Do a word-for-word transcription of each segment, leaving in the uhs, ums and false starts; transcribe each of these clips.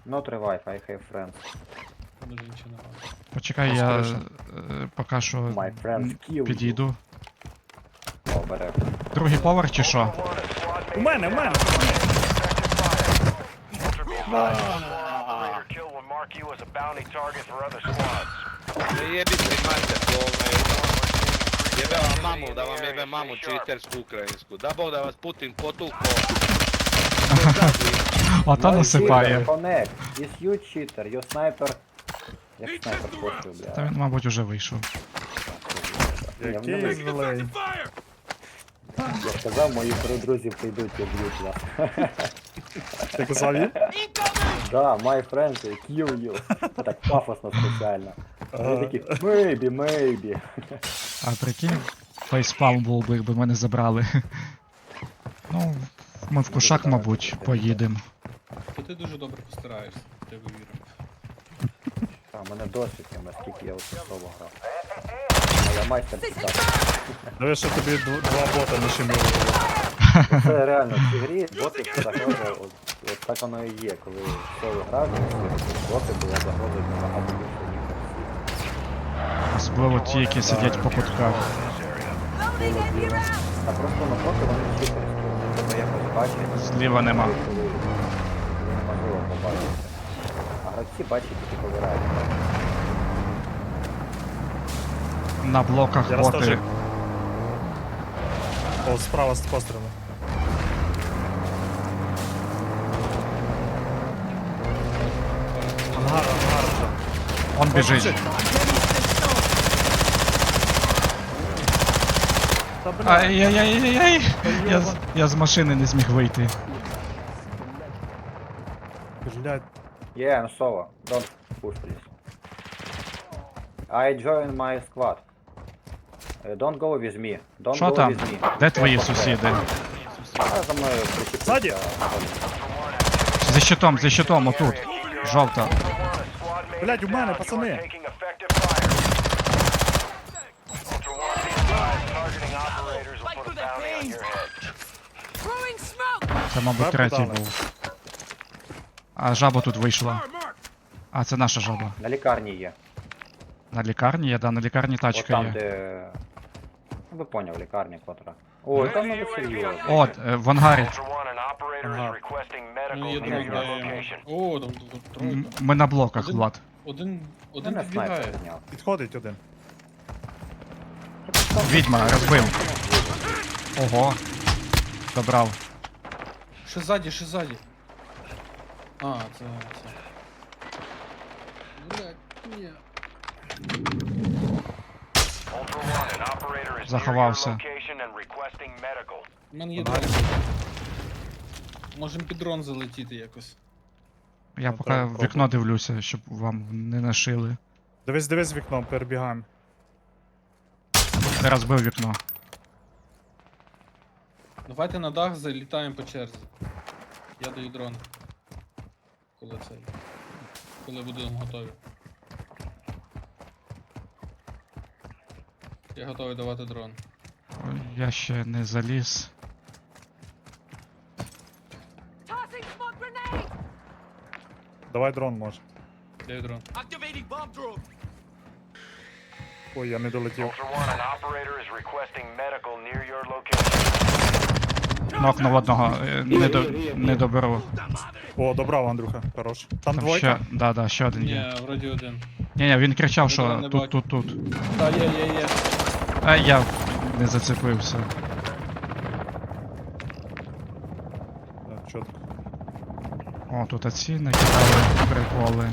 Not revive, I have friends. Може нічого не має. Почекай, я Розкриша. е, поки що My friends м, kill you. підійду. О, бере. Другий поверх чи що? У мене, у мене! Ne jebite mater, govne. Jebe vam mamu, da vam jebe mamu čitersku ukrajinsku. Da Bog da vas Putin potuko. Ото насипає. Connect. Is you cheater, you sniper. Як снайпер коштує, Та бля. він, мабуть, уже вийшов. Я в Який ньому- злий. Я сказав, мої три друзі прийдуть і б'ють вас. Ти казав їй? Да, my friends kill you. Так пафосно спеціально. Вони такі, maybe, maybe. А прикинь, фейспалм був би, якби мене забрали. Ну, ми в кушак, мабуть, поїдемо. То ти дуже добре постараєшся, я вірю. Та, у мене досвід є, наскільки я от соло грав. А я майстер читати. Диви, що тобі дв- два бота нашуміли. Це реально в цій грі боти загроза, от, от так воно і є, коли соло грав, боти була загроза набагато більше, ніж всі. Особливо ті, які сидять по кутках. А просто на боти вони всі користуються, тобто якось бачать, Зліва нема. коли коли неможливо побачити. А гравці бачать тільки повирають. На блоках Я раз боти. теж. О, справа з пострілами. Ангар, ангар вже. Он біжить. Та бля, Ай-яй-яй-яй-яй! Я, з- я з машини не зміг вийти. блядь. Yeah, I'm solo. Don't push, please. I join my squad. Uh, don't go with me. Don't Що go там? with me. Де твої Careful, сусіди? А, за мною причепився. Ззаді? За щитом, за щитом, отут. Жовта. Блядь, у мене, пацани. Throwing smoke! Це, мабуть, Жабу третій дали. був. А жаба тут вийшла. А, це наша жаба. На лікарні є. На лікарні є, да, на лікарні От тачка там, є. де... Ну, ви поняв, лікарня котра. Ой, там надо серйозно. От, е, в ангарі. Ага. Ну є Ні, друга. ні. О, там тут тройка. М- Ми на блоках, Один- Влад. Один, Ти один не снайпер підбігає. зняв. Підходить один. Відьма, розбив. Ого. Добрав. Ще ззаді, ще ззаді. А, це, це. Блядь, ні. Заховався. У мене є Ага. дрон. Можем під дрон залетіти якось. Я Ну, поки треба в вікно пробувати. дивлюся, щоб вам не нашили. Дивись, дивись вікном, перебігаємо. Не розбив вікно. Давайте на дах залітаємо по черзі. Я даю дрон. Коли цей. Коли будемо готові. Я готовий давати дрон. Ой, я ще не заліз. Tossing smoke grenade! Давай дрон може. Даю дрон. Ой, я не долетів. Нокнув одного, е, не, до, не доберу. О, добрав, Андрюха, хорош. Там Там двойка. ще, да, да, ще один є. Ні, вроді один. Ні, ні, він кричав, Я що не тут, бачу. тут, тут. Та є, є, є. А я не зацепився. Так, чітко. О, тут оці накидали приколи.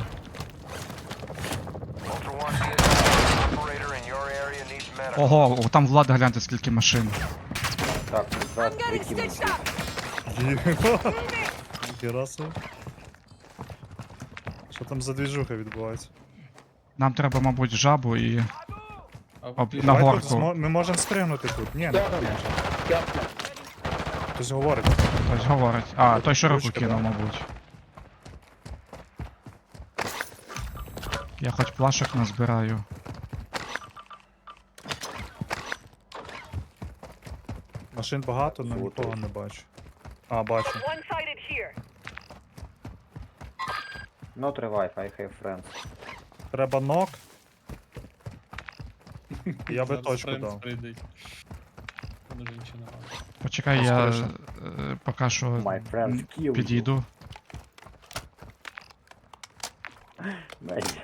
Ого, о, там Влада, гляньте, скільки машин. Так, тут I'm зараз getting викинуть. stitched up! Єба. Ніхера собі. Що там за двіжуха відбувається? Нам треба, мабуть, жабу і А Об- ти- на Давай горку. тут змо- Ми можемо спригнути тут. Ні, не можемо. Хтось говорить. хтось говорить. А, той, що руку Ручка, кинув, да. мабуть. Я хоч плашок назбираю. Машин багато, але Фото. нікого не бачу. А, бачу. One-sided here. Not revive, I have friends. Треба нок. Я би Зараз точку Френц дав. прийде. Там вже нічого немає. Почекай, я Скоріше. е, поки що My friends м, kill you. підійду. Maybe.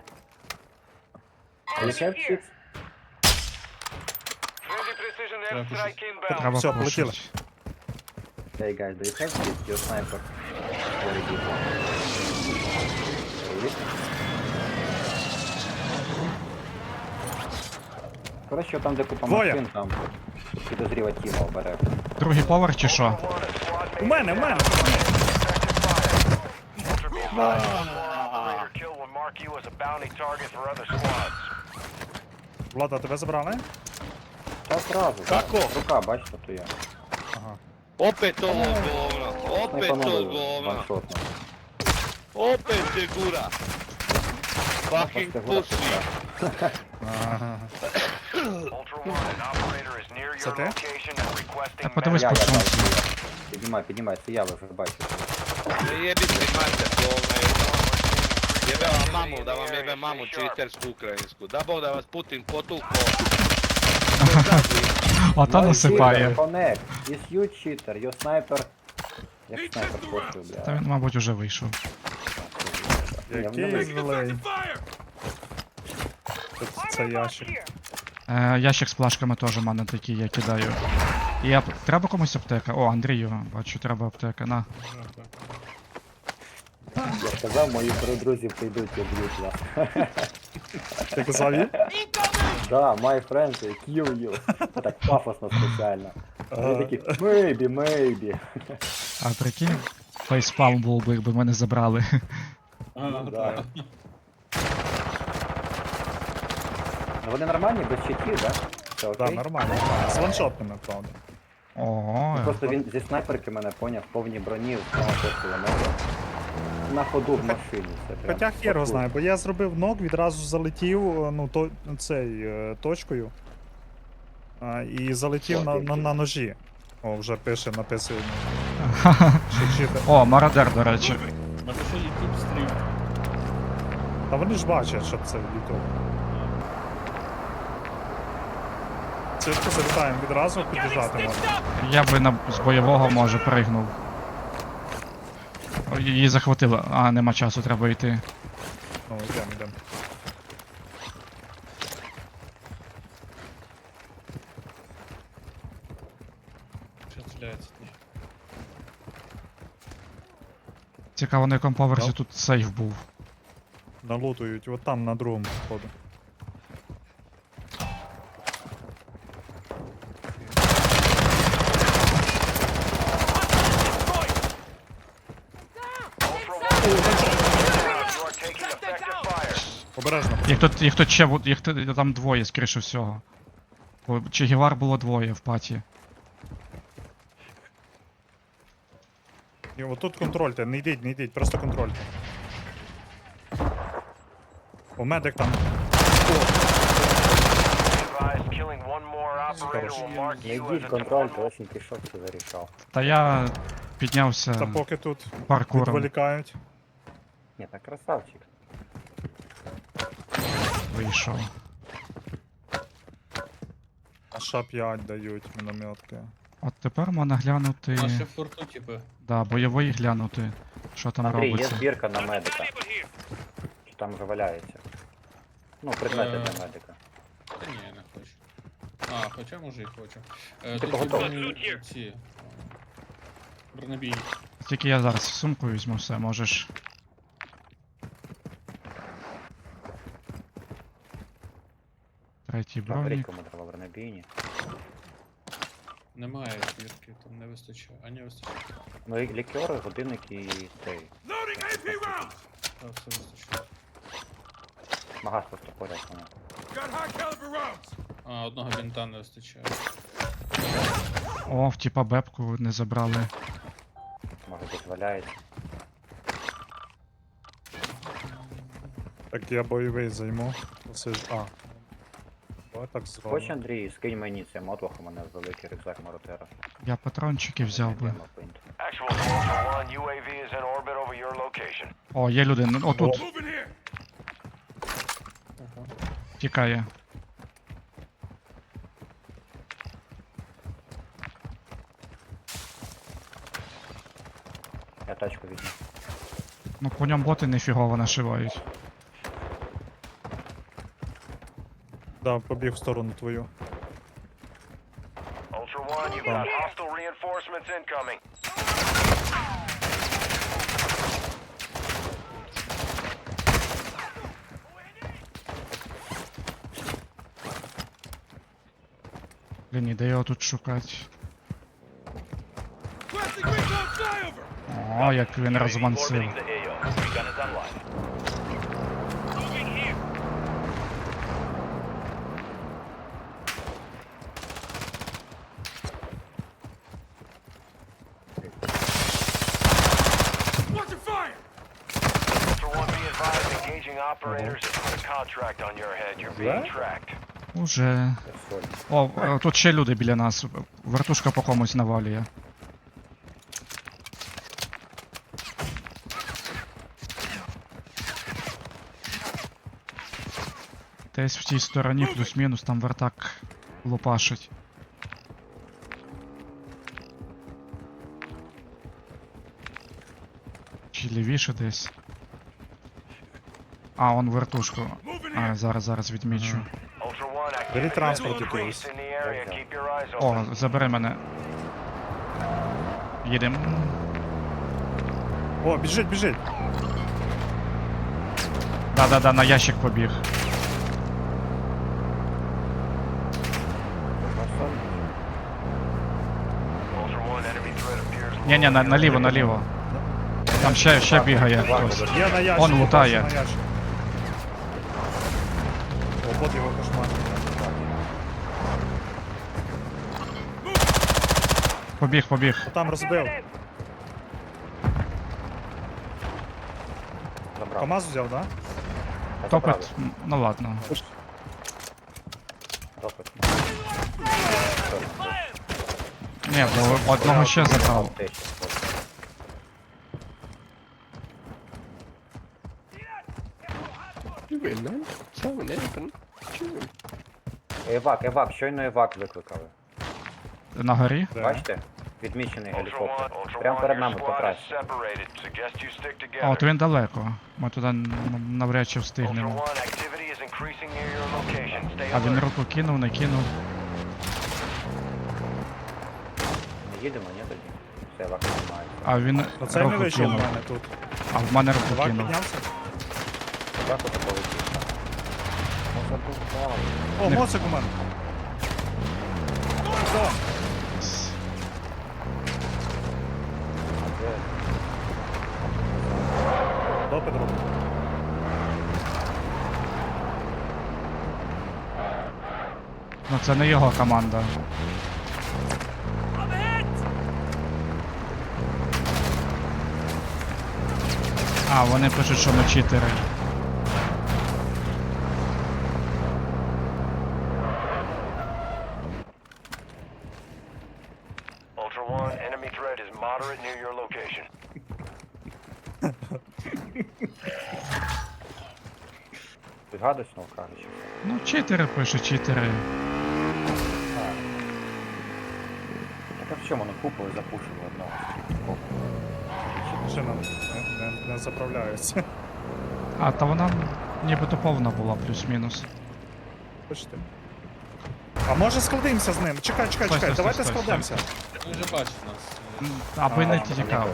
You have chips? Треба пушити. Треба Все, полетіли. пушити. Hey guys, do you have chips? Your sniper. Very good one. Really? Коротше, там де купа Двоє. машин, там підозріва Тіма обере. Другий поверх чи що? У мене, у мене! Влада, тебе забрали? Та зразу. Како? Рука, бачите, то я. Ага. Opet ovo govno, opet to Снайпанули govno, ваншотно. opet se gura. Fucking Просто гуляти pussy. треба. Ага. Це ти? Так подивись Я, по я, я, сумці. Піднімай, піднімай, це я, ви вже бачите. Ne jebi se mater govna jedno. Jebe vam mamu, da vam jebe mamu čitersku ukrajinsku. Da Bog da vas Putin potuko. Ото насипає. Connect. Is you cheater, your sniper. Як снайпер коштує, Та бля. він, мабуть, уже вийшов. Ні, Який вони злий. Тут це ящик. Е, ящик з плашками теж у мене такий, я кидаю. І я... Треба комусь аптека? О, Андрію, бачу, треба аптека. На. Я сказав, мої три друзі прийдуть і б'ють вас. Ти казав їй? Да, my friends, they kill you. Так пафосно спеціально. Вони такі, maybe, maybe. А прикинь, фейспалм був би, якби мене забрали. А, да. так. Ну вони нормальні, без щитів, да? Це Так, окей? нормально, нормально. З ваншотними, правда. Ого, Ну, просто він зі снайперки мене поняв, в повній броні, знову шість кілометрів. На ходу в машині. Це прям Хоча хер його потужно. знає, бо я зробив нок, відразу залетів, е, ну, то, цей, е, точкою. А, і залетів на, на, на ножі. О, вже пише, написує. Що чити. О, мародер, до речі. Напиши YouTube стрім. Та вони ж бачать, що це YouTube. Цитку залітаємо відразу, під'їжджати можна. Я би на... з бойового, може, пригнув. О, її захватило. А, нема часу, треба йти. Ну, йдемо, йдемо. Що стріляється тут? Цікаво, на якому поверсі Так. тут сейф був. Налутують, от там на другому входу. Обережно. Їх тут, їх тут ще, бу- їх тут- там двоє, скоріше всього. Бо Че Гевар було двоє в паті. І отут контрольте, не йдіть, не йдіть, просто контрольте. О, медик там. Не йдіть контроль, то очень пішов це зарішав. Та я Та піднявся поки тут паркуром. відволікають. Ні, так красавчик. Вийшов. Ша п'ять дають мінометки. От тепер можна глянути. Наші в форту, типу. Да, бойовий глянути. Що там Андрій, є робиться. збірка на медика. Чи там вже валяється? Ну, предмети Е. для медика. Та ні, не хочу. А, хоча може і хочу. Е, Ти тут є готовий? броні ці. е, Бронебійні. Тільки я зараз сумку візьму, все, можеш. Третій Наберіть, бронік. кому треба бронебійні. Немає збірки, там не вистачає. А не вистачає. Ну і лікери, годинник і цей. Так, все вистачає. Магаз просто поряд мене. А, одного бінта не вистачає. О, в типа бебку не забрали. Може десь валяється. Так я бойовий займу. Оце ж. А. Давай так Хоч, зробимо. Андрій, скинь мені це мотлох, у мене великий рюкзак Маротера. Я патрончики взяв би. Йдемо, пинт. Actual to Ultra One, U A V is in orbit over your location. О, є люди. Ну, отут. Тікає. Я тачку візьму. Ну по ньому боти нефігово нашивають. Да, побіг в сторону твою. Ultra One, you've got hostile reinforcements incoming. Блін, і де його тут шукати? О, як він розмансив. Orbiting the A O. Recon is online. Ultra One, be advised, engaging operators has put a contract on your head. You're being Yeah? tracked. Уже. Я соль. О, е, тут ще люди біля нас. Вертушка по комусь навалює. Десь в тій стороні плюс-мінус там вертак лупашить. Чи лівіше десь. А, он вертушку. А, зараз, зараз відмічу. Ultra One, Бери activity транспорт has якийсь. increased in the area. Keep your eyes О, open. забери мене. Їдем. О, біжить, біжить. Да-да-да, на ящик побіг. Ultra One, enemy threat appears Ні-ні, на, low. наліво, наліво. Там ще, ще бігає хтось. Я на ящик. Он лутає. на ящик. О, бот його кошмар. Побіг, побіг. Там розбив. Забрав. КамАЗ взяв, да? Я Топит. забрав. М, Ну ладно. Топит. Ні, бо одного ще забрав. Те ще спот. Евак, евак, щойно евак викликали. На горі. Да. Бачите? Відмічений Ultra One, гелікоптер. Ultra Прямо One, перед your нами squad is покраще. separated. Suggest you stick А, от together. він далеко. Ми туди н- навряд чи Ultra встигнемо. One, activity is increasing near your location. Stay А він alert. руку кинув, не кинув. Не їдемо, ні тоді? Все, евак немає. А він Оцей не руку вийшов у кинув. мене тут. А в мене руку Чувак кинув. піднявся. Евак ото полетів. Ну, забув, О, моцик у мене. О, де? допит робить. Ну це не його команда. А, вони пишуть, що ми читери. Ultra One, enemy threat is moderate near your location. Ти гадиш, ну кажеш. Ну, читери пишуть, читери. Так а в чому вони купили, запушили одного? Машина не, не, не заправляється. А, та вона нібито повна була, плюс-мінус. Бачите? А може складемося з ним? Чекай, чекай, Стой, чекай, стой, давайте стой, стой, складемося. Він вже бачить нас. М, Аби не А, тікав.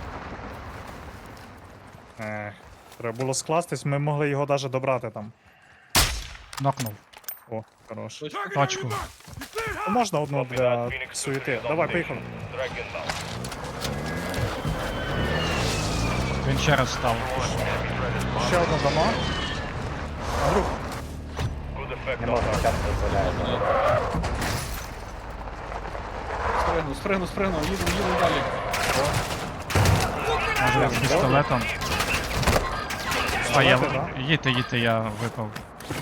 Ех, треба було скластись, ми могли його навіть добрати там. Нокнув. О, хорош. Точно. Точку. Ну, можна одну для суєти. Давай, поїхали. Він ще раз став. Ще одна дома. Андрюх, Не можна час дозволяє. Спригнув, спригнув, спригнув, їдемо, їдемо далі. Може з пістолетом. А я Пістолети, да? їдьте, їдьте, я випав.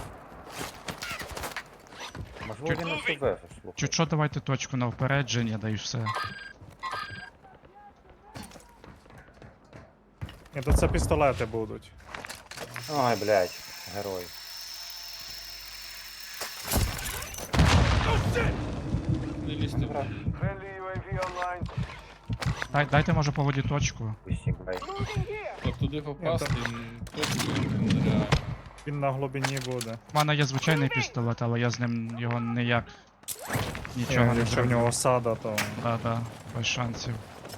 Можливо, він не себе, слухай. Чуть що, давайте точку на впередження, да і все. Ні, то це пістолети будуть. Ой, блядь, герой. Не лізьте. в- Friendly ю ей ві online. Дай, дайте може по воді точку. Усі, блядь. Так туди попасти, м, точно нереально. Він на глибині буде. У мене є звичайний пістолет, але я з ним його ніяк нічого Ні, не якщо в зроблю. нього осада, то. Да, да, без шансів.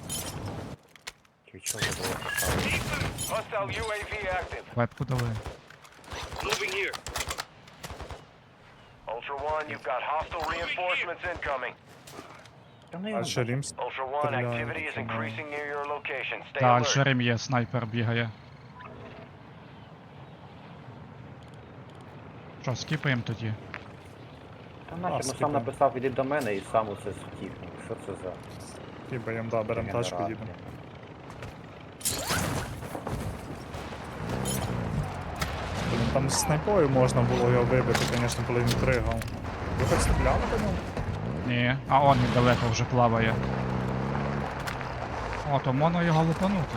Чи чого було поставити? Hostile ю ей ві active. Вебку дали. Moving here. Ultra One, you've got hostile reinforcements incoming. Та ну А його ще Рімс. Ultra One, Стреляю, activity is пацаны. increasing near your location. Stay Да, alert. Альшерим є, снайпер бігає. Що, скіпаємо тоді? Та нахер, ну скипаємо. сам написав, іди до мене і сам усе втік. Ну, що це за Хібаєм, да, беремо тачку, генерація? їдемо. Блін, там з снайпою можна було його вибити, звісно, коли він пригав. Ви хоч стріляли по ньому? Ні. А он він далеко вже плаває. О, то можна його лупанути.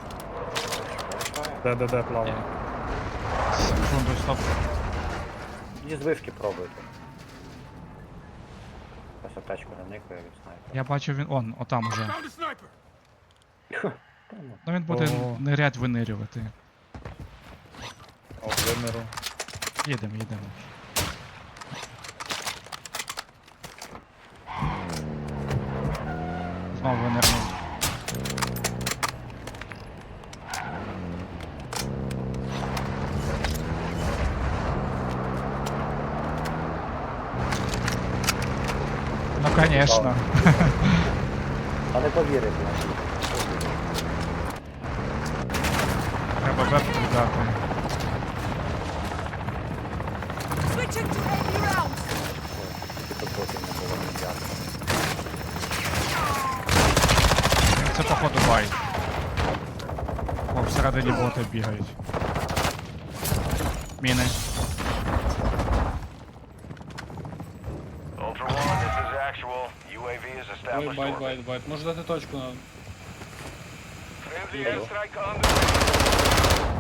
Де, де, де плаває? Секунду, стоп. Зі звишки пробуйте. Ось тачку не никає від снайпера. Я бачу він. Он, отам уже. Та ну, Ну він буде О. нирять винирювати. О, виміру. Їдемо, їдемо. Знову винирнув. Ну конечно. А не повірив, блядь. Треба вебку дати. Switching to heavy rounds. Тільки тут потім не було ніяк. Це походу бай. О, всередині боти бігають. Міни. Ultra One, this is actual. ю ей ві is Ой, established байт, orbit. байт, байт. Може дати точку на. Friendly Hello. airstrike on the way.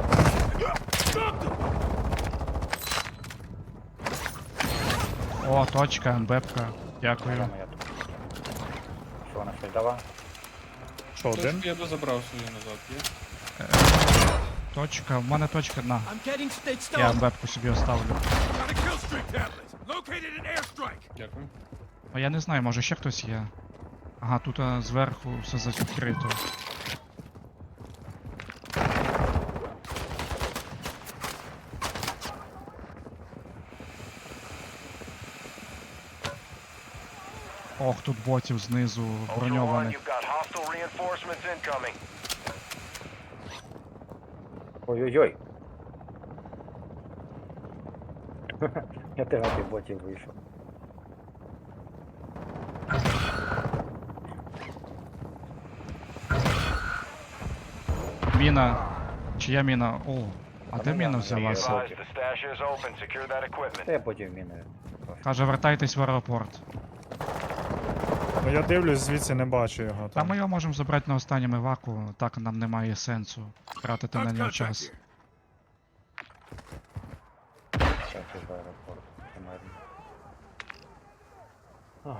О, точка, МБПка. Дякую. Прямо я тут. Що вона щось дала? Що, один? Точку я би забрав свою назад, є? Точка, в мене точка на. I'm getting stitched Я up. МБПку собі оставлю. Дякую. А я не знаю, може ще хтось є. Ага, тут а, зверху все закрито. Ох, тут ботів знизу Ultra One, броньованих. you've got hostile reinforcements incoming. Ой-ой-ой. Я теж на ботів вийшов. Міна. Чия міна? О, а Та де ну міна я- взялася? я- Advise, the stash is open. Secure that equipment. Та я потім міною. Каже, вертайтесь в аеропорт. Ну я дивлюсь, звідси не бачу його. Та Там. ми його можемо забрати на останньому еваку, так нам немає сенсу тратити на нього час. Так, і в аеропорт. Примерно. Ой.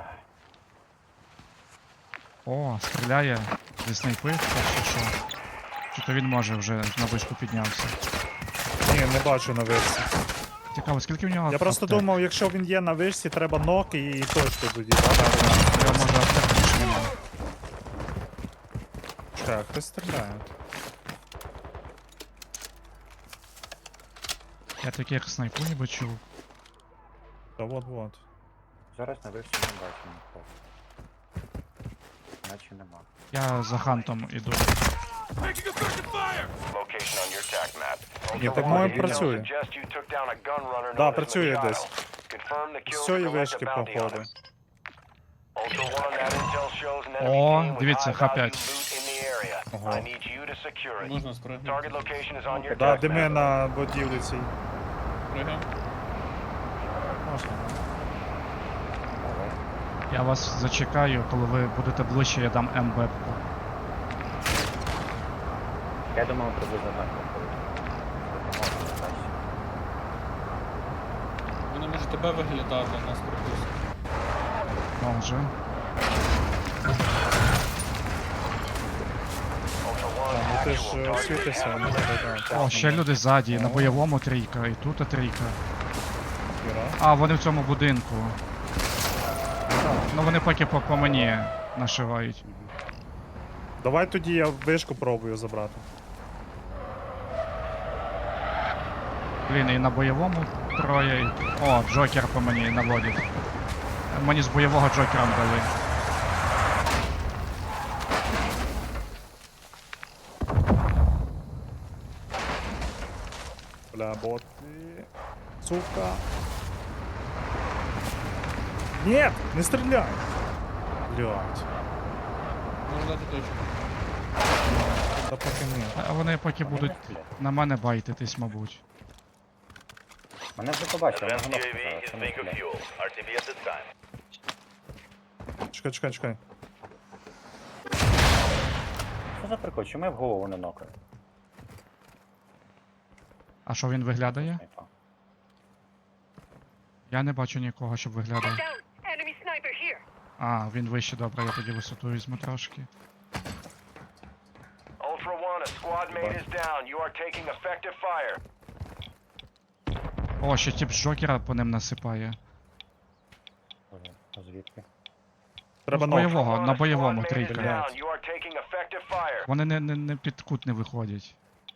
О, стріляє зі снайпи, так чи що? Чи то він може вже на вишку піднявся? Ні, не бачу на вишці. Цікаво, скільки в нього Я просто аптек? думав, якщо він є на вишці, треба нок і точку тоді. У нього може аптек більше нема. Так, хтось стріляє. Я таких снайпу ніби чув. Та от-от. Зараз на вишці не бачу нікого. Наче нема. Я за хантом іду. Location on your attack map. Ні, Ultra так One, моє intel працює. suggests you took down a gun runner Да, known as працює Machado. десь. Confirm the kill З to цієї collect вишки, a bounty on походу. him. Ultra One, that intel shows an enemy О, team with дивіться, high Х value п'ять. loot in the area. Ага. I need you to secure it. Можна спригнути. Target location is on your Да, attack дими map. на будівлі цій. Пригаємо. Можна. Давай. Я вас зачекаю, коли ви будете ближче, я дам МБПку. Я думав, приблизно так проходить. Допомога краще. Вони може тебе виглядати, а нас пропустять. Може. Ultra А, One, ну ти ж actual е, target світишся, down. ну так, так. О, ще люди ззаді, на бойовому трійка, і тут трійка. Іра. А, вони в цьому будинку. Ну вони поки по, по мені нашивають. Давай тоді я вишку пробую забрати. Блін, і на бойовому троє. і- О, Джокер по мені наводить. Мені з бойового Джокером дали. Бля, боти. Сука. Нет, не стріляй. Блядь. Можна дати точку. Та поки ні. А вони поки Вони будуть не стріляють. на мене байтитись, мабуть. Мене вже побачили, Advanced вони U A V зараз, is це не bingo стріляє. fuel. R T B at this time. Чекай, чекай, чекай. Що за прикол? Чому я в голову не нокаю? А що він виглядає? Снайпа. Я не бачу нікого, щоб виглядав. Down. Enemy sniper here. А, він вище, добре, я тоді висоту візьму трошки. Ultra One, a squad mate is down. You are taking effective fire. О, ще тип з Джокера по ним насипає. Боже, а звідки? Треба з ног. бойового, Ultra на One, a бойовому squad mate is трійка. down. You are taking effective fire. Вони не, не, не під кут не виходять.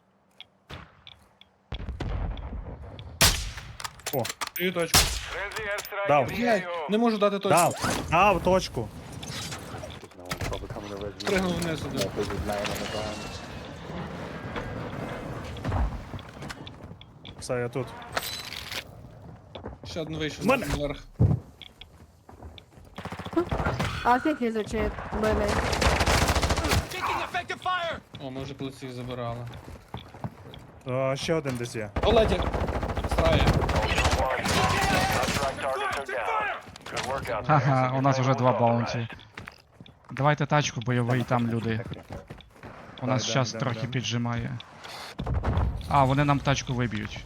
О, Даю точку. Frenzy airstrike Дав. in the Блядь, A O. не можу дати точку. дав, дав точку. Знову пробуйка мене везли. Пригнув вниз один. Я тут знаємо, не знаємо. Все, я тут. Ще один вийшов Мене. наверх. I think he's a chip, really. Taking effective fire. О, ми вже плиці забирали. А, ще один десь є. Оледі! Страє. Ultra One, contract targets are down. Good work out there. Ха-ха, у нас Your вже flame два was баунті. authorized. Давайте тачку, бойовий, там люди. У нас йдем, час йдем, трохи йдем. піджимає. А, вони нам тачку виб'ють.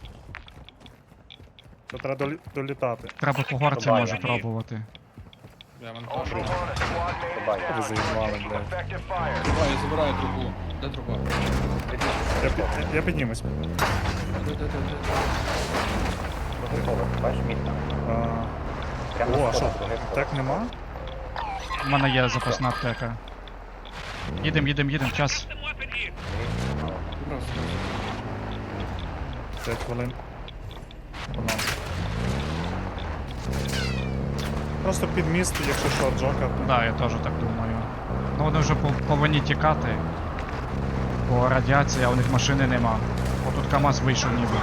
То треба долі- долітати. Треба по горці Буває. може пробувати. Я мене Ultra теж. One, a squad mate is Буває. down. Ви заїбали, Taking блядь. effective fire. Труба, я забираю трубу. Де труба? Я, пі- я піднімусь. Де, де, де, де? Другий поверх, бачиш, мітка. А, Прямо о, на а що? сходах, другий поверх. Так нема? У мене є запасна аптека. Їдем, їдем, їдем, час. Просто. п'ять хвилин. По нам. Просто під міст, якщо що, Джокер. Да, я теж так думаю. Ну вони вже пов- повинні тікати. Бо радіація, а у них машини нема. О, тут КамАЗ вийшов ніби.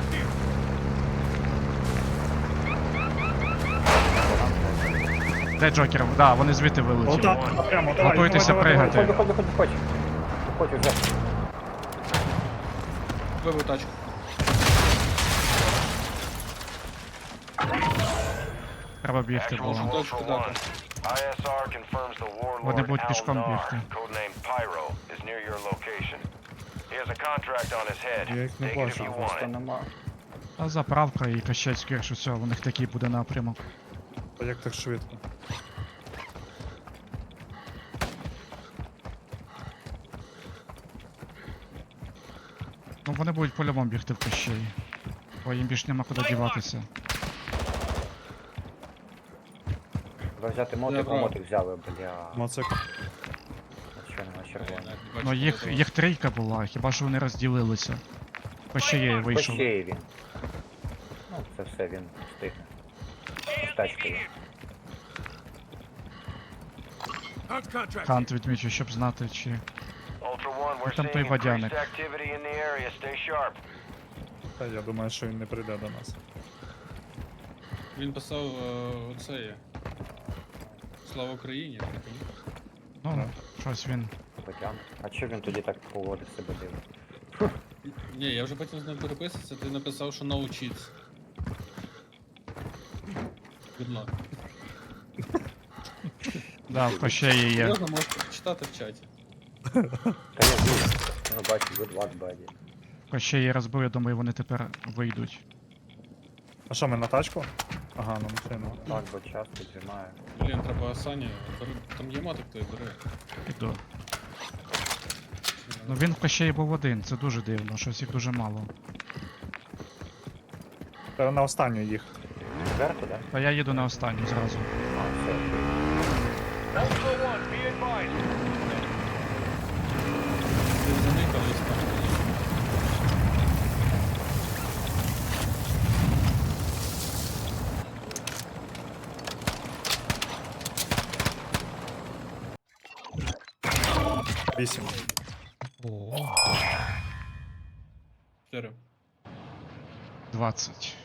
Де Джокер? Да, вони звідти вилетіли. Отак, прямо, давай, Готуйтеся давай, давай, пригати. Виходь, виходь, виходь, виходь. Виходь вже. Вибив тачку. Треба бігти, Actual бо to Точку Ultra дати. One. I S R confirms the Вони warlord будуть Al пішком Nar, бігти. codenamed Pyro, is near your location. He has a contract on his head. Я їх не Take it if бачу, you want Просто it. нема. а заправка і кащець, скоріше всього, у них такий буде напрямок. Та як так швидко? Ну вони будуть по-любому бігти в кащей. Бо їм більш нема куди діватися. Треба взяти мотик, а Добре. мотик взяли, бля. Моцик. А що нема червоний? Ну їх, їх трійка була, хіба що вони розділилися. Кащеє вийшов. Пощеє він. Ну, це все він встигне. З тачкою. Кант відмічу, щоб знати, чи. Ultra One, we're Там той seeing водяник. increased activity in the area. Stay sharp. Та я думаю, що він не прийде до нас. Він писав е, оце є. Слава Україні, так ні? Ну, щось він. Потягне. А чого він тоді так поводить себе дивно? Ні, я вже потім з ним переписувався, ти написав, що no cheats. Good luck. Да, в кащеї є. Серйозно, можете почитати в чаті. Та я вірю. Ну бачу, good luck, buddy. Ще її розбив, я думаю, вони тепер вийдуть. А що, ми на тачку? Ага, на машину. Так, бо час піджимає. Блін, треба Сані. бери- Там є мотик, той бери. Іду. Ну він в Кощеї був один, це дуже дивно, щось їх дуже мало. Треба на останню їх. Зверху, да? Та я їду на останню зразу. А, все. Ultra One, be advised. Ти заникались там. Вісім. О, Чотири. двадцять.